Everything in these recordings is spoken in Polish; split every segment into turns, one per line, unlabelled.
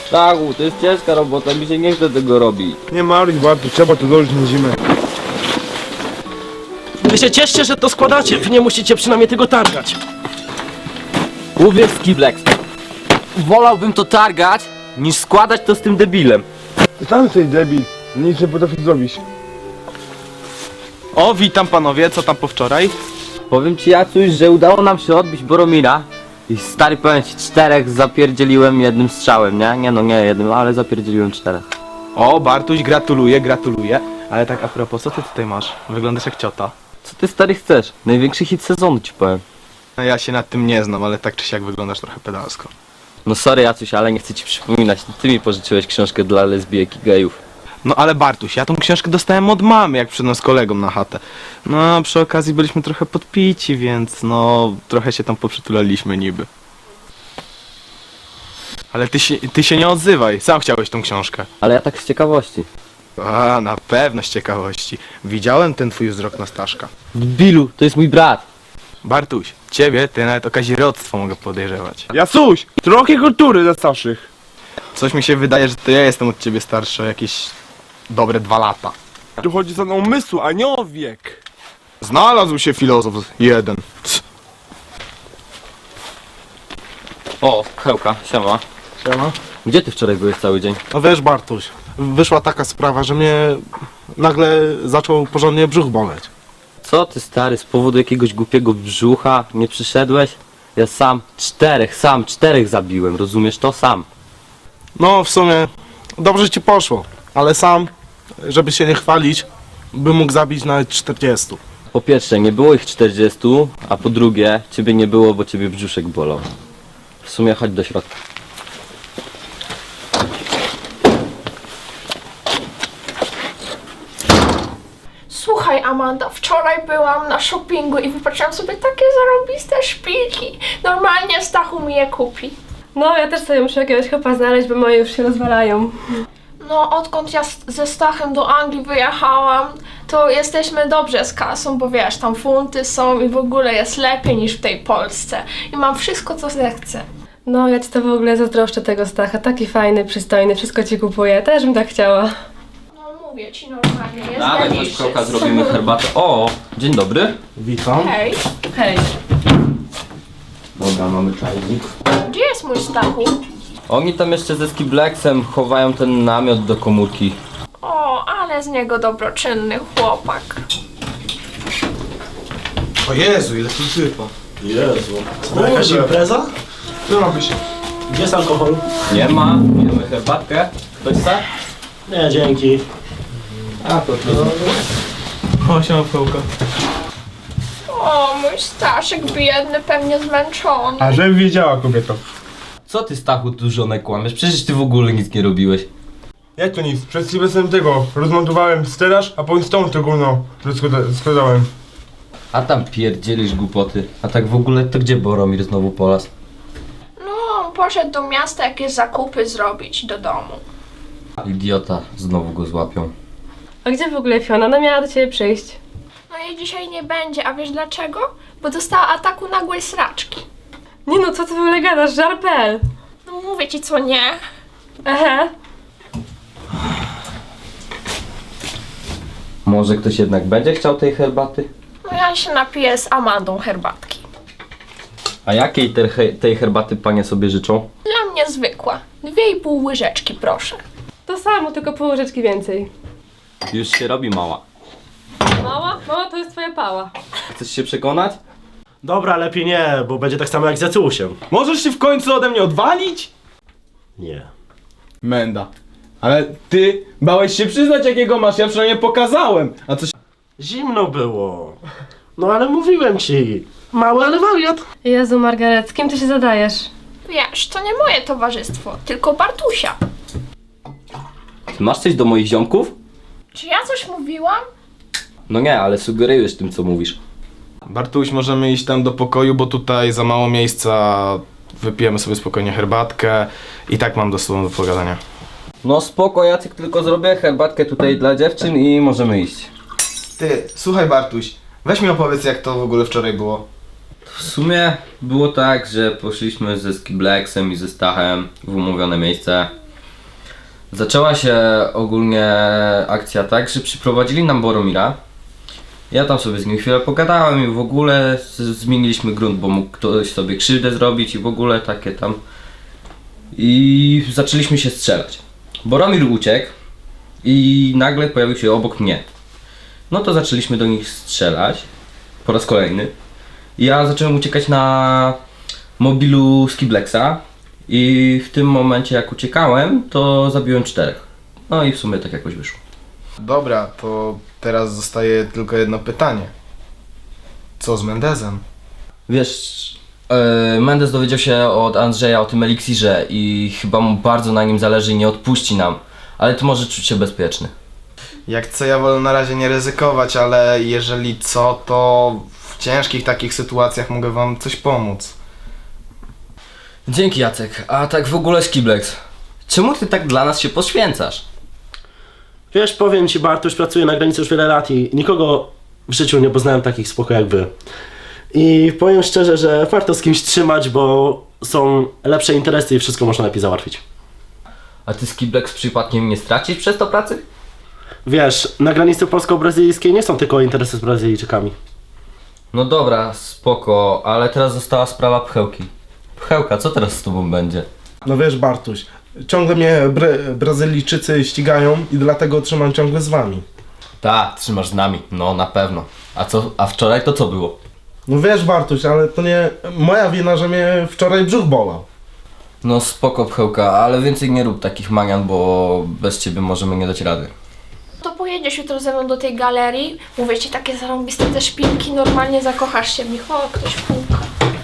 Tak, to jest ciężka robota, mi się nie chce tego robić.
Nie martw, Bartu, trzeba to dołożyć na zimę.
Wy się cieszcie, że to składacie, wy nie musicie przynajmniej tego targać.
Uwierz, Skiblex. Wolałbym to targać, niż składać to z tym debilem.
Tam jesteś debil, nic nie potrafisz zrobić.
O, witam panowie, co tam po wczoraj?
Powiem ci, Jacuś, że udało nam się odbić Boromira. I stary, powiem ci, 4 zapierdzieliłem jednym strzałem, nie? Nie jednym, ale zapierdzieliłem 4.
O, Bartuś, gratuluję, gratuluję. Ale tak a propos, co ty tutaj masz? Wyglądasz jak ciota.
Co ty, stary, chcesz? Największy hit sezonu ci powiem.
No ja się nad tym nie znam, ale tak czy siak wyglądasz trochę pedalsko.
No sorry, Jacuś, ale nie chcę ci przypominać. Ty mi pożyczyłeś książkę dla lesbijek i gejów.
No ale Bartuś, ja tą książkę dostałem od mamy, jak przyszedłem z kolegą na chatę. No, przy okazji byliśmy trochę podpici, więc no, trochę się tam poprzytulaliśmy niby. Ale ty się nie odzywaj, sam chciałeś tą książkę.
Ale ja tak z ciekawości.
A, na pewno z ciekawości. Widziałem ten twój wzrok na Staszka.
Bilu, to jest mój brat.
Bartuś, ciebie ty nawet o kazirodztwo mogę podejrzewać.
Jasuś, trochę kultury dla starszych.
Coś mi się wydaje, że to ja jestem od ciebie starszy o jakieś dobre 2 lata.
Tu chodzi o umysł, a nie o wiek.
Znalazł się filozof jeden.
O, Hełka, siema.
Siema.
Gdzie ty wczoraj byłeś cały dzień?
No wiesz, Bartuś, wyszła taka sprawa, że mnie nagle zaczął porządnie brzuch boleć.
Co ty, stary, z powodu jakiegoś głupiego brzucha nie przyszedłeś? Ja sam 4 zabiłem, rozumiesz to? Sam.
No w sumie dobrze ci poszło, ale sam, żeby się nie chwalić, bym mógł zabić nawet 40.
Po pierwsze, nie było ich 40, a po drugie, ciebie nie było, bo ciebie brzuszek bolał. W sumie chodź do środka.
Słuchaj, Amanda, wczoraj byłam na shoppingu i wypatrzyłam sobie takie zarobiste szpilki. Normalnie Stachu mi je kupi.
No, ja też sobie muszę jakiegoś chłopa znaleźć, bo moje już się rozwalają.
No, odkąd ja ze Stachem do Anglii wyjechałam, to jesteśmy dobrze z kasą, bo wiesz, tam funty są i w ogóle jest lepiej niż w tej Polsce. I mam wszystko, co zechcę.
No, ja ci to w ogóle zazdroszczę tego Stacha. Taki fajny, przystojny, wszystko ci kupuje. Też bym tak chciała.
No, mówię ci normalnie, jest
Dawaj, chodź,
najbliższy.
Hełka, zrobimy herbatę. O, dzień dobry.
Witam.
Hej,
Hej.
Dobra, mamy czajnik.
gdzie jest mój Stachu?
Oni tam jeszcze ze Skiblexem chowają ten namiot do komórki.
O, ale z niego dobroczynny chłopak.
O Jezu, ile tu sypa. Jezu. To jakaś impreza?
Co ma być?
Gdzie jest alkohol?
Nie ma, pijemy herbatkę. Ktoś chce?
Nie, dzięki.
A, to
O, siema Pełka.
O, mój Staszek biedny, pewnie zmęczony.
A żebym wiedziała, kobieto.
Co ty, Stachu, tu żonę kłamiesz? Przecież ty w ogóle nic nie robiłeś.
Jak to nic? Przed chwilą tego rozmontowałem stelaż, a potem stąd to gówno składałem.
A tam pierdzielisz głupoty. A tak w ogóle to gdzie Boromir znowu polas?
No, poszedł do miasta jakieś zakupy zrobić do domu.
Idiota, znowu go złapią.
A gdzie w ogóle Fiona? Ona miała do ciebie przyjść.
No jej dzisiaj nie będzie, a wiesz dlaczego? Bo dostała ataku nagłej sraczki.
Nie no, co ty w ogóle gadasz? Żarpel.
No mówię ci co nie.
Ehe.
Może ktoś jednak będzie chciał tej herbaty?
No ja się napiję z Amandą herbatki.
A jakiej tej herbaty panie sobie życzą?
Dla mnie zwykła. 2,5 łyżeczki proszę.
To samo, tylko pół łyżeczki więcej.
Już się robi mała.
Mała? Mała to jest twoja pała.
Chcesz się przekonać?
Dobra, lepiej nie, bo będzie tak samo jak z Jacusiem.
Możesz się w końcu ode mnie odwalić?
Nie.
Menda. Ale ty bałeś się przyznać jakiego masz, ja przynajmniej pokazałem. A coś...
Zimno było. No ale mówiłem ci. Mały, ale wariat.
Jezu, Margaret, z kim ty się zadajesz?
Wiesz, to nie moje towarzystwo, tylko Bartusia.
Ty masz coś do moich ziomków?
Czy ja coś mówiłam?
No nie, ale sugerujesz tym, co mówisz.
Bartuś, możemy iść tam do pokoju, bo tutaj za mało miejsca. Wypijemy sobie spokojnie herbatkę. I tak mam do sobą do pogadania.
No spoko, Jacek, tylko zrobię herbatkę tutaj dla dziewczyn i możemy iść.
Ty, słuchaj Bartuś, weź mi opowiedz jak to w ogóle wczoraj było.
W sumie było tak, że poszliśmy ze Skiblexem i ze Stachem w umówione miejsce. Zaczęła się ogólnie akcja tak, że przyprowadzili nam Boromira. Ja tam sobie z nim chwilę pogadałem i w ogóle zmieniliśmy grunt, bo mógł ktoś sobie krzywdę zrobić i w ogóle takie tam. I zaczęliśmy się strzelać. Boromir uciekł i nagle pojawił się obok mnie. No to zaczęliśmy do nich strzelać po raz kolejny. Ja zacząłem uciekać na mobilu Skiblexa i w tym momencie jak uciekałem, to zabiłem 4. No i w sumie tak jakoś wyszło.
Dobra, to teraz zostaje tylko jedno pytanie. Co z Mendezem?
Wiesz, Mendes dowiedział się od Andrzeja o tym eliksirze i chyba mu bardzo na nim zależy i nie odpuści nam. Ale ty możesz czuć się bezpieczny.
Jak co, ja wolę na razie nie ryzykować, ale jeżeli co, to w ciężkich takich sytuacjach mogę wam coś pomóc.
Dzięki, Jacek. A tak w ogóle Skiblex, czemu ty tak dla nas się poświęcasz?
Wiesz, powiem ci, Bartuś, pracuję na granicy już wiele lat i nikogo w życiu nie poznałem takich spoko jak wy. I powiem szczerze, że warto z kimś trzymać, bo są lepsze interesy i wszystko można lepiej załatwić.
A ty Skiblex przypadkiem nie stracisz przez to pracy?
Wiesz, na granicy polsko-brazylijskiej nie są tylko interesy z Brazylijczykami.
No dobra, spoko, ale teraz została sprawa Pchełki. Pchełka, co teraz z tobą będzie?
No wiesz, Bartuś, ciągle mnie Brazylijczycy ścigają i dlatego trzymam ciągle z wami.
Tak, trzymasz z nami, no na pewno. A wczoraj to co było?
No wiesz, Bartuś, ale to nie moja wina, że mnie wczoraj brzuch bolał.
No spoko Pchełka, ale więcej nie rób takich manian, bo bez ciebie możemy nie dać rady.
To pojedziesz jutro ze mną do tej galerii. Mówię ci, takie zarąbiste te szpilki, normalnie zakochasz się w nich. O, ktoś puka.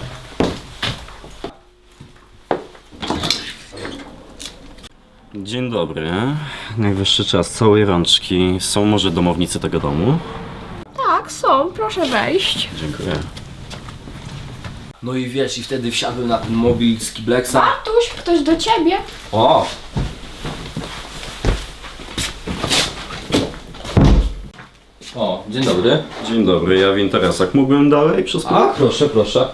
Dzień dobry. Najwyższy czas całej rączki. Są może domownicy tego domu?
Tak, są, proszę wejść.
Dziękuję.
No i wiesz, i wtedy wsiadłem na ten mobil Skiblexa.
Bartuś, ktoś do ciebie.
O! O, dzień dobry.
Dzień dobry, ja w interesach. Mógłbym dalej przez
A, proszę, proszę.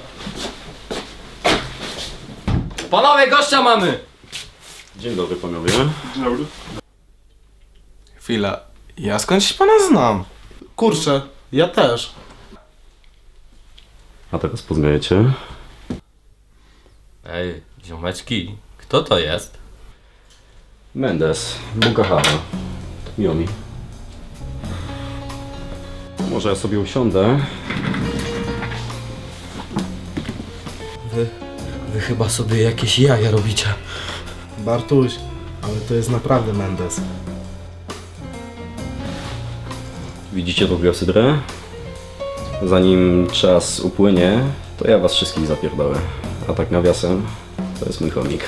Panowie, gościa mamy!
Dzień dobry, panowie.
Chwila, ja skądś pana znam.
Kurczę, ja też.
A teraz poznajecie?
Ej, ziomeczki, kto to jest?
Mendes, Bukahara. Miło mi. Może ja sobie usiądę?
Wy chyba sobie jakieś jaja robicie.
Bartuś, ale to jest naprawdę Mendes.
Widzicie tą biosydrę? Zanim czas upłynie, to ja was wszystkich zapierdolę. A tak nawiasem, to jest mój chomik.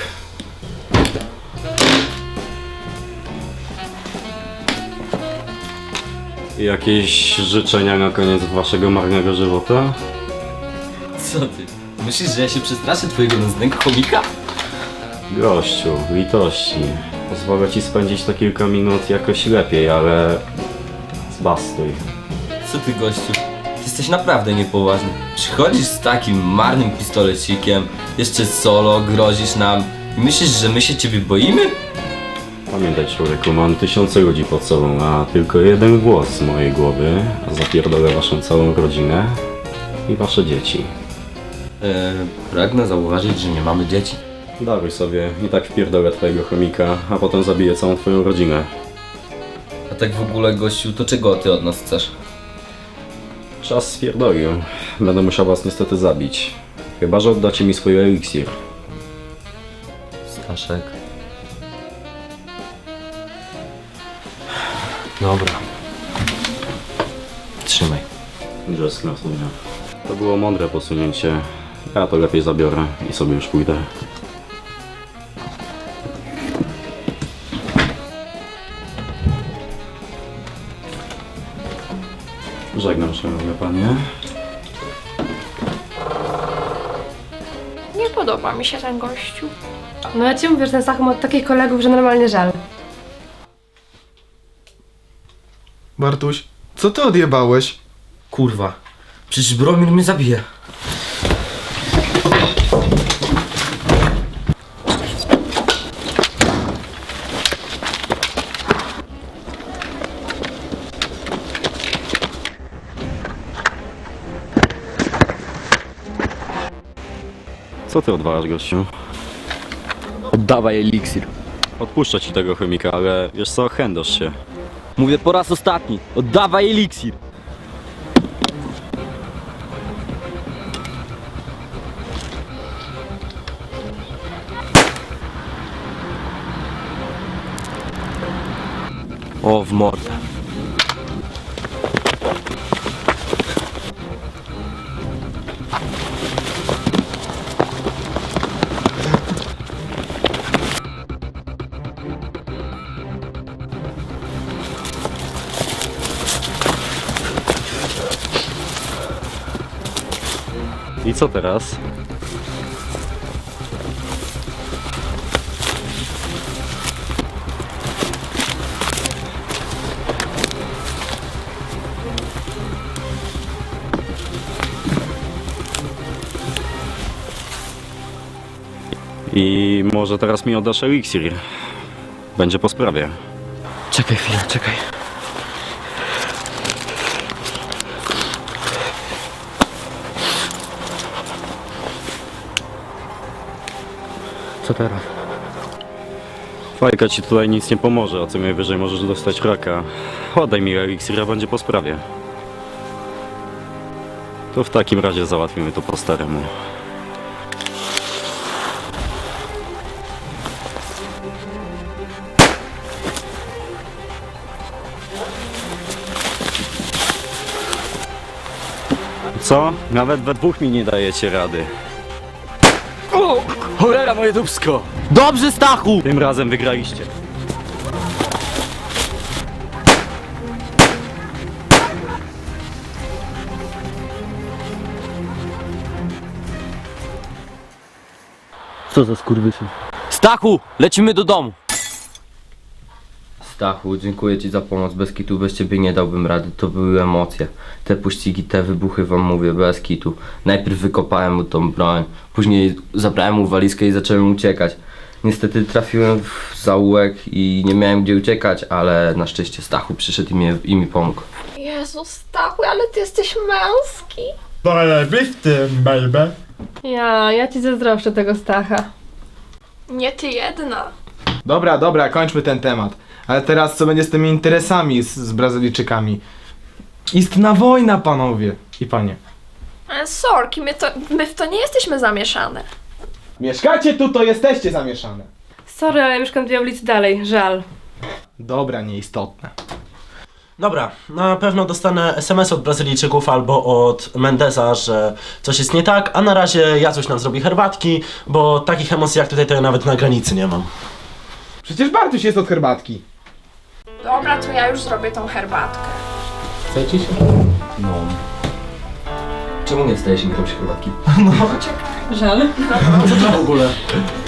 Jakieś życzenia na koniec waszego marnego żywota?
Co ty? Myślisz, że ja się przestraszę twojego nędznego chomika?
Gościu, litości. Pozwolę ci spędzić te kilka minut jakoś lepiej, ale... Zbastuj.
Co ty, gościu? Ty jesteś naprawdę niepoważny. Przychodzisz z takim marnym pistolecikiem, jeszcze solo, grozisz nam i myślisz, że my się ciebie boimy?
Pamiętaj, człowieku, mam tysiące ludzi pod sobą, a tylko jeden głos z mojej głowy zapierdolę waszą całą rodzinę i wasze dzieci.
Pragnę zauważyć, że nie mamy dzieci.
Daruj sobie, i tak wpierdolę twojego chomika, a potem zabiję całą twoją rodzinę.
A tak w ogóle, gościu, to czego ty od nas chcesz?
Czas spierdolił. Będę musiał was niestety zabić. Chyba że oddacie mi swój eliksir.
Staszek. Dobra. Trzymaj.
Just sumie. To było mądre posunięcie. Ja to lepiej zabiorę i sobie już pójdę. Żegnam, szanowne panie.
Nie podoba mi się ten gościu.
No ja ci mówię, że ten Stach ma od takich kolegów, że normalnie żal.
Bartuś, co ty odjebałeś?
Kurwa. Przecież Boromir mnie zabije.
Co ty odwalasz, gościu?
Oddawaj eliksir.
Odpuszczę ci tego chemika, ale wiesz co, chędosz się.
Mówię po raz ostatni. Oddawaj eliksir. O, w mordę.
I co teraz? I może teraz mi oddasz eliksir. Będzie po sprawie.
Czekaj chwilę, czekaj. Co teraz?
Fajka ci tutaj nic nie pomoże, a co najwyżej możesz dostać raka. Oddaj mi eliksir, a będzie po sprawie. To w takim razie załatwimy to po staremu. Co? Nawet we dwóch mi nie dajecie rady.
O! Cholera moje dupsko! Dobrze, Stachu!
Tym razem wygraliście.
Co za skurwysyn? Stachu! Lecimy do domu!
Stachu, dziękuję ci za pomoc. Bez kitu, bez ciebie nie dałbym rady. To były emocje. Te pościgi, te wybuchy wam mówię, bez kitu. Najpierw wykopałem mu tą broń, później zabrałem mu walizkę i zacząłem uciekać. Niestety trafiłem w zaułek i nie miałem gdzie uciekać, ale na szczęście Stachu przyszedł i mi pomógł.
Jezu, Stachu, ale ty jesteś męski.
Zajebisty, baby.
Ja ci zazdroszczę tego Stacha.
Nie ty jedna.
Dobra, kończmy ten temat. Ale teraz co będzie z tymi interesami z Brazylijczykami? Istna wojna, panowie i panie.
Sorki, my w to nie jesteśmy zamieszane.
Mieszkacie tu, to jesteście zamieszane.
Sorry, ale ja mieszkam 2 ulicy dalej, żal.
Dobra, nieistotne.
Dobra, na pewno dostanę SMS od Brazylijczyków albo od Mendeza, że coś jest nie tak, a na razie Jacuś nam zrobi herbatki, bo takich emocji jak tutaj to ja nawet na granicy nie mam.
Przecież Bartuś jest od herbatki.
Dobra, to ja już zrobię tą herbatkę.
Chcecie się?
No. Czemu nie stajesz mi robić herbatki?
Żal.
Co to w ogóle?